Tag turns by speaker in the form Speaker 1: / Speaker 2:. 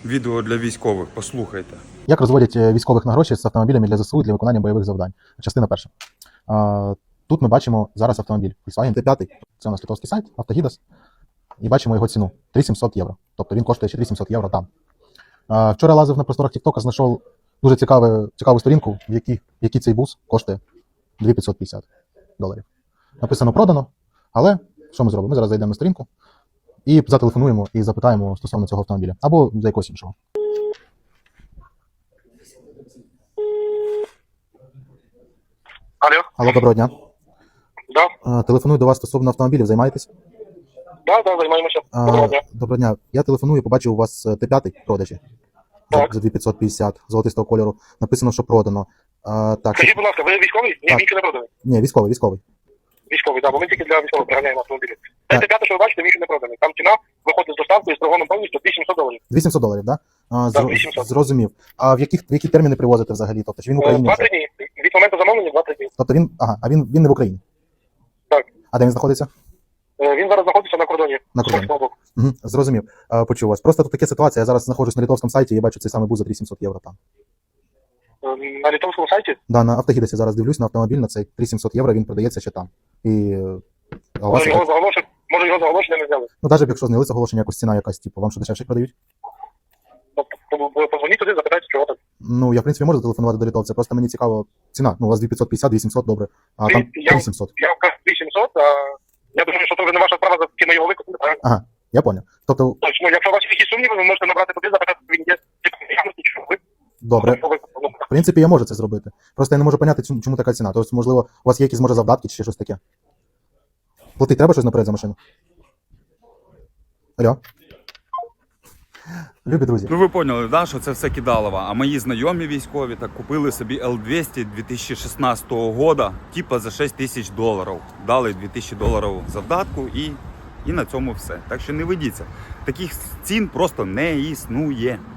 Speaker 1: Відео для військових, послухайте.
Speaker 2: Як розводять військових на гроші з автомобілями для ЗСУ для виконання бойових завдань? Частина перша. Тут ми бачимо зараз автомобіль Volkswagen T5. Це у нас литовський сайт, Автогідас. І бачимо його ціну 3700 євро. Тобто він коштує ще 3700 євро там. Вчора лазив на просторах TikTok, знайшов дуже цікаву сторінку, в якій цей бус коштує $2550. Написано продано, але що ми зробимо? Ми зараз зайдемо на сторінку і зателефонуємо і запитаємо стосовно цього автомобіля. Або за якогось іншого. Алло, доброго дня.
Speaker 3: Да.
Speaker 2: Телефоную до вас стосовно автомобілів, займаєтесь?
Speaker 3: Да, займаємося. Доброго дня.
Speaker 2: Доброго дня. Я телефоную, побачив у вас Т5 в продажі
Speaker 3: Так.
Speaker 2: за 2550 золотистого кольору. Написано, що продано. Так,
Speaker 3: Скажіть, будь ласка, ви військовий? Ні,
Speaker 2: Так.
Speaker 3: він ще не проданий.
Speaker 2: ні, військовий.
Speaker 3: Військовий, так, бо ми тільки для військових приганяємо автомобілі.
Speaker 2: Так.
Speaker 3: Це п'яте, що ви бачите, він ще не проданий. Там ціна виходить з доставкою з торгоном повністю $2700.
Speaker 2: $2700, да?
Speaker 3: Так, 800.
Speaker 2: Зрозумів. А в які терміни привозите взагалі? Тобто, чи він в Україні?
Speaker 3: 2-3 дні. Від моменту замовлення 2-3 дні.
Speaker 2: Тобто він не в Україні?
Speaker 3: Так.
Speaker 2: А де він знаходиться?
Speaker 3: Він зараз знаходиться на кордоні.
Speaker 2: На
Speaker 3: з
Speaker 2: кордоні.
Speaker 3: польського боку.
Speaker 2: Угу, зрозумів. Почув вас. Просто тут така ситуація. Я зараз знаходжусь на литовському сайті і бачу цей самий бус за 3700 євро там.
Speaker 3: На литовському сайті?
Speaker 2: Да, на Автогідасі зараз дивлюсь на автомобіль, на цей 3700 євро, він продається ще там. А у вас...
Speaker 3: Може його заголошення не взяли.
Speaker 2: Ну, навіть якщо зняли заголошення, якось ціна якась, типу, вам що дешевше продають?
Speaker 3: Позвоніть туди, запитайте, чого так.
Speaker 2: Ну, я, в принципі, можу зателефонувати до литовця, просто мені цікаво ціна. Ну, у вас 2550, 2700, добре, а там 3700.
Speaker 3: Я вам кажу 2700, а я думаю, що це вже не ваша справа, за ким ми його викупили, правильно?
Speaker 2: Ага, я понял. Тобто,
Speaker 3: Точно, якщо у вас є якісь сумніви, ви можете набрати туди, запитати, він є, нічого, ви
Speaker 2: добре. В принципі, я можу це зробити. Просто я не можу поняти, чому така ціна. Тобто, можливо, у вас є якісь, може, завдатки чи ще щось таке? Платить треба щось наперед за машину? Алло? Любі друзі.
Speaker 1: Ну ви поняли, да, що це все кидалово. А мої знайомі військові так купили собі L200 2016 года, типа за $6000. Дали $2000 завдатку і на цьому все. Так що не ведіться. Таких цін просто не існує.